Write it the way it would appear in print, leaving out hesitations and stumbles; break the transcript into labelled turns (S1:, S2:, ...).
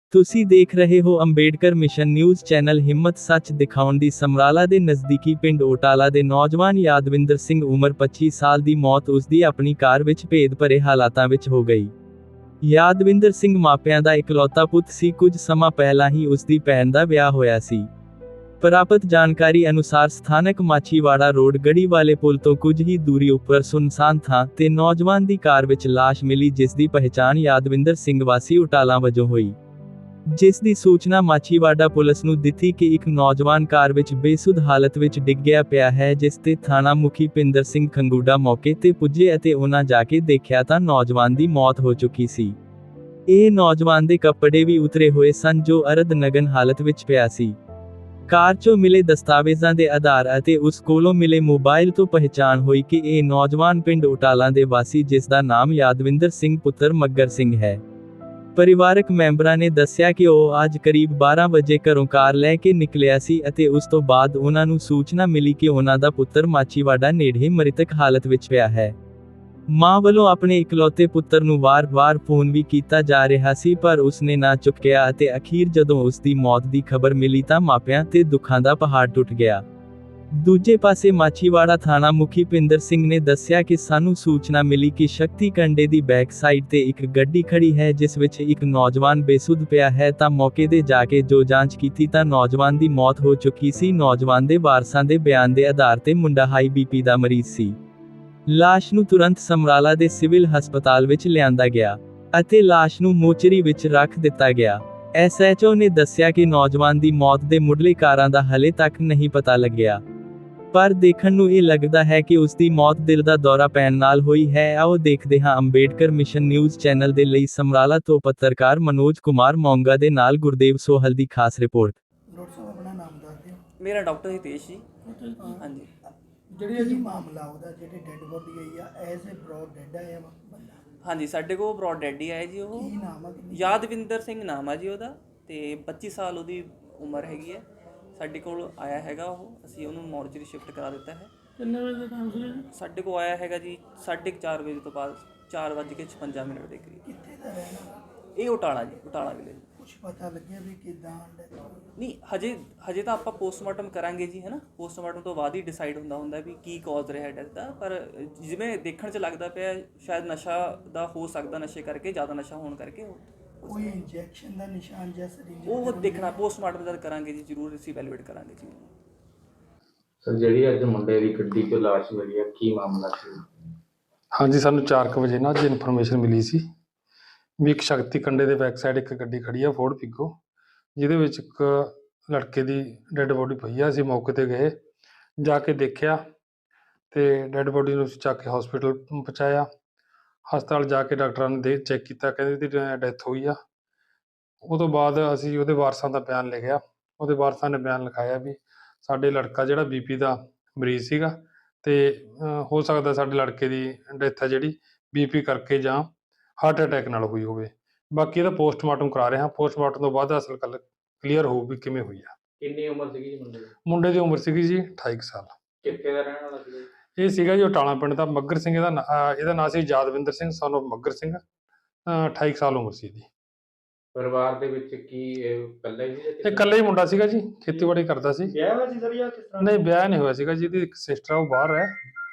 S1: ਤੁਸੀਂ ਦੇਖ ਰਹੇ ਹੋ ਅੰਬੇਡਕਰ ਮਿਸ਼ਨ ਨਿਊਜ਼ ਚੈਨਲ। ਹਿੰਮਤ ਸੱਚ ਦਿਖਾਉਣ ਦੀ। ਸਮਰਾਲਾ ਦੇ ਨਜ਼ਦੀਕੀ ਪਿੰਡ ਓਟਾਲਾ ਦੇ ਨੌਜਵਾਨ ਯਾਦਵਿੰਦਰ ਸਿੰਘ ਉਮਰ 25 ਸਾਲ ਦੀ ਮੌਤ ਉਸਦੀ ਆਪਣੀ ਕਾਰ ਵਿੱਚ ਭੇਦ ਭਰੇ ਹਾਲਾਤਾਂ ਵਿੱਚ ਹੋ ਗਈ। ਯਾਦਵਿੰਦਰ ਸਿੰਘ ਮਾਪਿਆਂ ਦਾ ਇਕਲੌਤਾ ਪੁੱਤ ਸੀ। ਕੁਝ ਸਮਾਂ ਪਹਿਲਾਂ ਹੀ ਉਸਦੀ ਭੈਣ ਦਾ ਵਿਆਹ ਹੋਇਆ ਸੀ। ਪ੍ਰਾਪਤ ਜਾਣਕਾਰੀ ਅਨੁਸਾਰ ਸਥਾਨਕ ਮਾਛੀਵਾੜਾ ਰੋਡ ਗੜੀ ਵਾਲੇ ਪੁਲ ਤੋਂ ਕੁਝ ਹੀ ਦੂਰੀ ਉੱਪਰ ਸੁਨਸਾਨ ਥਾਂ ਤੇ ਨੌਜਵਾਨ ਦੀ ਕਾਰ ਵਿੱਚ ਲਾਸ਼ ਮਿਲੀ, ਜਿਸ ਦੀ ਪਹਿਚਾਣ ਯਾਦਵਿੰਦਰ ਸਿੰਘ ਵਾਸੀ ਓਟਾਲਾ ਵਜੋਂ ਹੋਈ। ਜਿਸ ਦੀ ਸੂਚਨਾ ਮਾਛੀਵਾੜਾ ਪੁਲਿਸ ਨੂੰ ਦਿੱਤੀ ਕਿ ਇੱਕ ਨੌਜਵਾਨ ਕਾਰ ਵਿੱਚ ਬੇਸੁੱਧ ਹਾਲਤ ਵਿੱਚ ਡਿੱਗਿਆ ਪਿਆ ਹੈ, ਜਿਸ ਤੇ ਥਾਣਾ ਮੁਖੀ ਪਿੰਦਰ ਸਿੰਘ ਖੰਗੂੜਾ ਮੌਕੇ ਤੇ ਪੁੱਜੇ ਅਤੇ ਉਹਨਾਂ ਜਾ ਕੇ ਦੇਖਿਆ ਤਾਂ ਨੌਜਵਾਨ ਦੀ ਮੌਤ ਹੋ ਚੁੱਕੀ ਸੀ। ਇਹ ਨੌਜਵਾਨ ਦੇ ਕੱਪੜੇ ਵੀ ਉਤਰੇ ਹੋਏ ਸਨ, ਜੋ ਅਰਧ ਨਗਨ ਹਾਲਤ ਵਿੱਚ ਪਿਆ ਸੀ। ਕਾਰ 'ਚੋਂ ਮਿਲੇ ਦਸਤਾਵੇਜ਼ਾਂ ਦੇ ਆਧਾਰ ਅਤੇ ਉਸ ਕੋਲੋਂ ਮਿਲੇ ਮੋਬਾਈਲ ਤੋਂ ਪਹਿਚਾਣ ਹੋਈ ਕਿ ਇਹ ਨੌਜਵਾਨ ਪਿੰਡ ਓਟਾਲਾ ਦੇ ਵਾਸੀ, ਜਿਸ ਦਾ ਨਾਮ ਯਾਦਵਿੰਦਰ ਸਿੰਘ ਪੁੱਤਰ ਮੱਗਰ ਸਿੰਘ ਹੈ। ਪਰਿਵਾਰਕ ਮੈਂਬਰਾਂ ਨੇ ਦੱਸਿਆ ਕਿ ਉਹ ਅੱਜ ਕਰੀਬ 12 ਵਜੇ ਘਰੋਂ ਕਾਰ ਲੈ ਕੇ ਨਿਕਲਿਆ ਸੀ ਅਤੇ ਉਸ ਤੋਂ ਬਾਅਦ ਉਹਨਾਂ ਨੂੰ ਸੂਚਨਾ ਮਿਲੀ ਕਿ ਉਹਨਾਂ ਦਾ ਪੁੱਤਰ ਮਾਛੀਵਾੜਾ ਨੇੜੇ ਮ੍ਰਿਤਕ ਹਾਲਤ ਵਿੱਚ ਪਿਆ ਹੈ। ਮਾਂ ਵੱਲੋਂ ਆਪਣੇ ਇਕਲੌਤੇ ਪੁੱਤਰ ਨੂੰ ਵਾਰ-ਵਾਰ ਫੋਨ ਵੀ ਕੀਤਾ ਜਾ ਰਿਹਾ ਸੀ, ਪਰ ਉਸਨੇ ਨਾ ਚੁੱਕਿਆ ਅਤੇ ਅਖੀਰ ਜਦੋਂ ਉਸ ਦੀ ਮੌਤ ਦੀ ਖਬਰ ਮਿਲੀ ਤਾਂ ਮਾਪਿਆਂ ਤੇ ਦੁੱਖਾਂ ਦਾ ਪਹਾੜ ਟੁੱਟ ਗਿਆ। ਦੂਜੇ ਪਾਸੇ ਮਾਛੀਵਾੜਾ ਥਾਣਾ ਮੁਖੀ ਪਿੰਦਰ ਸਿੰਘ ਨੇ ਦੱਸਿਆ ਕਿ ਸਾਨੂੰ ਸੂਚਨਾ ਮਿਲੀ ਕਿ ਸ਼ਕਤੀ ਕੰਡੇ ਦੀ ਬੈਕ ਸਾਈਡ ਤੇ ਇੱਕ ਗੱਡੀ ਖੜੀ ਹੈ, ਜਿਸ ਵਿੱਚ ਇੱਕ ਨੌਜਵਾਨ ਬੇਸੁੱਧ ਪਿਆ ਹੈ ਤਾਂ ਮੌਕੇ ਤੇ ਜਾ ਕੇ ਜੋ ਜਾਂਚ ਕੀਤੀ ਤਾਂ ਨੌਜਵਾਨ ਦੀ ਮੌਤ ਹੋ ਚੁੱਕੀ ਸੀ। ਨੌਜਵਾਨ ਦੇ ਵਾਰਸਾਂ ਦੇ ਬਿਆਨ ਦੇ ਆਧਾਰ ਤੇ ਮੁੰਡਾ ਹਾਈ ਬੀਪੀ ਦਾ ਮਰੀਜ਼ ਸੀ। ਲਾਸ਼ ਨੂੰ ਤੁਰੰਤ ਸਮਰਾਲਾ ਦੇ ਸਿਵਲ ਹਸਪਤਾਲ ਵਿੱਚ ਲਿਆਂਦਾ ਗਿਆ ਅਤੇ ਲਾਸ਼ ਨੂੰ ਮੋਚਰੀ ਵਿੱਚ ਰੱਖ ਦਿੱਤਾ ਗਿਆ। ਐਸਐਚਓ ਨੇ ਦੱਸਿਆ ਕਿ ਨੌਜਵਾਨ ਦੀ ਮੌਤ ਦੇ ਮੁੱਢਲੇ ਕਾਰਨ ਦਾ ਹਲੇ ਤੱਕ ਨਹੀਂ ਪਤਾ ਲੱਗਿਆ, ਪਰ ਦੇਖਣ ਨੂੰ ਇਹ ਲੱਗਦਾ ਹੈ ਕਿ ਉਸ ਦੀ ਮੌਤ ਦਿਲ ਦਾ ਦੌਰਾ ਪੈਣ ਨਾਲ ਹੋਈ ਹੈ। ਆਓ ਦੇਖਦੇ ਹਾਂ ਅੰਬੇਡਕਰ ਮਿਸ਼ਨ ਨਿਊਜ਼ ਚੈਨਲ ਦੇ ਲਈ ਸਮਰਾਲਾ ਤੋਂ ਪੱਤਰਕਾਰ ਮਨੋਜ ਕੁਮਾਰ ਮੌਂਗਾ ਦੇ ਨਾਲ ਗੁਰਦੇਵ ਸੋਹਲ ਦੀ ਖਾਸ ਰਿਪੋਰਟ।
S2: ਡਾਕਟਰ ਸਾਹਿਬ ਆਪਣਾ ਨਾਮ ਦੱਸ ਦਿਓ।
S3: ਮੇਰਾ ਡਾਕਟਰ ਹਿਤੇਸ਼ ਜੀ। ਹਾਂਜੀ,
S2: ਜਿਹੜੀ ਜੀ ਮਾਮਲਾ ਉਹਦਾ ਜਿਹੜੀ ਡੈੱਡ ਬੋਡੀ ਆਈ ਆ ਐਜ਼ ਅ ਬ੍ਰੌਡ ਡੈੱਡ ਆਇਆ ਬੰਦਾ।
S3: ਹਾਂਜੀ, ਸਾਡੇ ਕੋਲ ਬ੍ਰੌਡ ਡੈਡ ਹੀ ਆਇਆ ਜੀ। ਉਹ
S2: ਕੀ ਨਾਮ ਆ?
S3: ਯਾਦਵਿੰਦਰ ਸਿੰਘ ਨਾਮ ਆ ਜੀ ਉਹਦਾ, ਤੇ 25 ਸਾਲ ਉਹਦੀ ਉਮਰ ਹੈਗੀ ਹੈ। ਸਾਡੇ ਕੋਲ ਆਇਆ ਹੈਗਾ ਉਹ, ਅਸੀਂ ਉਹਨੂੰ ਮੋਰਚਰੀ ਸ਼ਿਫਟ ਕਰਾ ਦਿੱਤਾ ਹੈ।
S2: ਕਿੰਨੇ ਵਜੇ ਦਾ ਟਾਈਮ ਸੀ?
S3: ਸਾਡੇ ਕੋਲ ਆਇਆ ਹੈਗਾ ਜੀ 4:30 ਵਜੇ ਤੋਂ ਬਾਅਦ 4:56 ਦੇ ਕਰੀਬ।
S2: ਕਿੱਥੇ ਦਾ ਰਹਿਣ ਵਾਲਾ?
S3: ਇਹ ਓਟਾਲਾ ਜੀ, ਓਟਾਲਾ ਵਿਲੇਜ।
S2: ਕੁਝ ਪਤਾ ਲੱਗਿਆ ਵੀ ਕਿਦਾਂ ਡੈਥ?
S3: ਨਹੀਂ, ਹਜੇ ਤਾਂ ਆਪਾਂ ਪੋਸਟਮਾਰਟਮ ਕਰਾਂਗੇ ਜੀ, ਹੈ ਨਾ। ਪੋਸਟਮਾਰਟਮ ਤੋਂ ਬਾਅਦ ਹੀ ਡਿਸਾਈਡ ਹੁੰਦਾ ਵੀ ਕੀ ਕਾਜ਼ ਰਿਹਾ ਡੈਥ ਦਾ, ਪਰ ਜਿਵੇਂ ਦੇਖਣ 'ਚ ਲੱਗਦਾ ਪਿਆ ਸ਼ਾਇਦ ਨਸ਼ਾ ਦਾ ਹੋ ਸਕਦਾ, ਨਸ਼ੇ ਕਰਕੇ, ਜ਼ਿਆਦਾ ਨਸ਼ਾ ਹੋਣ ਕਰਕੇ।
S2: ਕੋਈ ਇੰਜੈਕਸ਼ਨ ਦਾ ਨਿਸ਼ਾਨ ਜਾਂ ਸਰਿੰਜ?
S3: ਉਹ ਦੇਖਣਾ ਪੋਸਟਮਾਰਟਮ ਜਦ ਕਰਾਂਗੇ ਜੀ, ਜ਼ਰੂਰ ਅਸੀਂ ਵੈਲੀਡੇਟ ਕਰਾਂਗੇ ਜੀ।
S4: ਸਰ, ਜਿਹੜੀ ਅੱਜ ਮੁੰਡੇ ਦੀ ਗੱਡੀ 'ਚੋਂ ਲਾਸ਼ ਮਿਲੀ ਹੈ, ਕੀ ਮਾਮਲਾ ਸੀ?
S5: ਹਾਂਜੀ, ਸਾਨੂੰ 4 ਵਜੇ ਨਾ ਅੱਜ ਇਨਫੋਰਮੇਸ਼ਨ ਮਿਲੀ ਸੀ ਵੀ ਇੱਕ ਸ਼ਕਤੀ ਕੰਡੇ ਦੇ ਬੈਕ ਸਾਈਡ ਇੱਕ ਗੱਡੀ ਖੜੀ ਆ ਫੋਰਡ ਫਿਗੋ, ਜਿਹਦੇ ਵਿੱਚ ਇੱਕ ਲੜਕੇ ਦੀ ਡੈੱਡ ਬੋਡੀ ਪਈ ਆ। ਅਸੀਂ ਮੌਕੇ 'ਤੇ ਗਏ, ਜਾ ਕੇ ਦੇਖਿਆ ਤੇ ਡੈੱਡ ਬੋਡੀ ਨੂੰ ਅਸੀਂ ਚੱਕ ਕੇ ਹਸਪੀਟਲ ਪਹੁੰਚਾਇਆ। ਹਸਪਤਾਲ ਜਾ ਕੇ ਡਾਕਟਰਾਂ ਨੇ ਚੈੱਕ ਕੀਤਾ, ਕਹਿੰਦੇ ਇਹਦੀ ਡੈਥ ਹੋਈ ਆ। ਉਹ ਤੋਂ ਬਾਅਦ ਅਸੀਂ ਉਹਦੇ ਵਾਰਸਾਂ ਦਾ ਬਿਆਨ ਲਿਖਿਆ। ਉਹਦੇ ਵਾਰਸਾਂ ਨੇ ਬਿਆਨ ਲਿਖਾਇਆ ਵੀ ਸਾਡੇ ਲੜਕਾ ਜਿਹੜਾ ਬੀਪੀ ਦਾ ਮਰੀਜ਼ ਸੀਗਾ ਤੇ ਹੋ ਸਕਦਾ ਸਾਡੇ ਲੜਕੇ ਦੀ ਡੈਥ ਹੈ ਜਿਹੜੀ ਬੀਪੀ ਕਰਕੇ ਜਾਂ ਹਾਰਟ ਅਟੈਕ ਨਾਲ ਹੋਈ ਹੋਵੇ। ਬਾਕੀ ਇਹਦਾ ਪੋਸਟਮਾਰਟਮ ਕਰਾ ਰਹੇ ਹਾਂ। ਪੋਸਟਮਾਰਟਮ ਤੋਂ ਬਾਅਦ ਅਸਲ ਗੱਲ ਕਲੀਅਰ ਹੋਊ ਵੀ ਕਿਵੇਂ ਹੋਈ ਆ।
S4: ਕਿੰਨੀ ਉਮਰ ਸੀਗੀ ਜੀ ਮੁੰਡੇ ਦੀ?
S5: ਮੁੰਡੇ ਦੀ ਉਮਰ ਸੀਗੀ ਜੀ 28 ਸਾਲ।
S4: ਕਿੱਥੇ ਦਾ ਰਹਿਣ ਵਾਲਾ ਸੀਗਾ?
S5: ਇਹ ਸੀਗਾ ਜੀ ਓਟਾਲਾ ਪਿੰਡ ਦਾ। ਮੱਗਰ ਸਿੰਘ ਇਹਦਾ ਨਾਂ ਸੀ, ਯਾਦਵਿੰਦਰ ਸਿੰਘ son of ਮੱਗਰ ਸਿੰਘ। 28 ਸਾਲ ਉਮਰ ਸੀ ਇਹਦੀ।
S4: ਪਰਿਵਾਰ ਦੇ ਵਿੱਚ ਕੀ ਇਹ ਇਕੱਲਾ ਹੀ ਸੀ ਜਾਂ
S5: ਇਹ ਇਕੱਲਾ ਹੀ ਮੁੰਡਾ ਸੀਗਾ ਜੀ, ਖੇਤੀਬਾੜੀ ਕਰਦਾ ਸੀ।
S4: ਵਿਆਹ ਹੋਇਆ ਸੀ ਸਰ ਜਾਂ ਕਿਸ ਤਰ੍ਹਾਂ?
S5: ਨਹੀਂ, ਵਿਆਹ ਨਹੀਂ ਹੋਇਆ ਸੀਗਾ ਜੀ। ਇਹਦੀ ਇੱਕ ਸਿਸਟਰ ਆ, ਉਹ ਬਾਹਰ ਹੈ।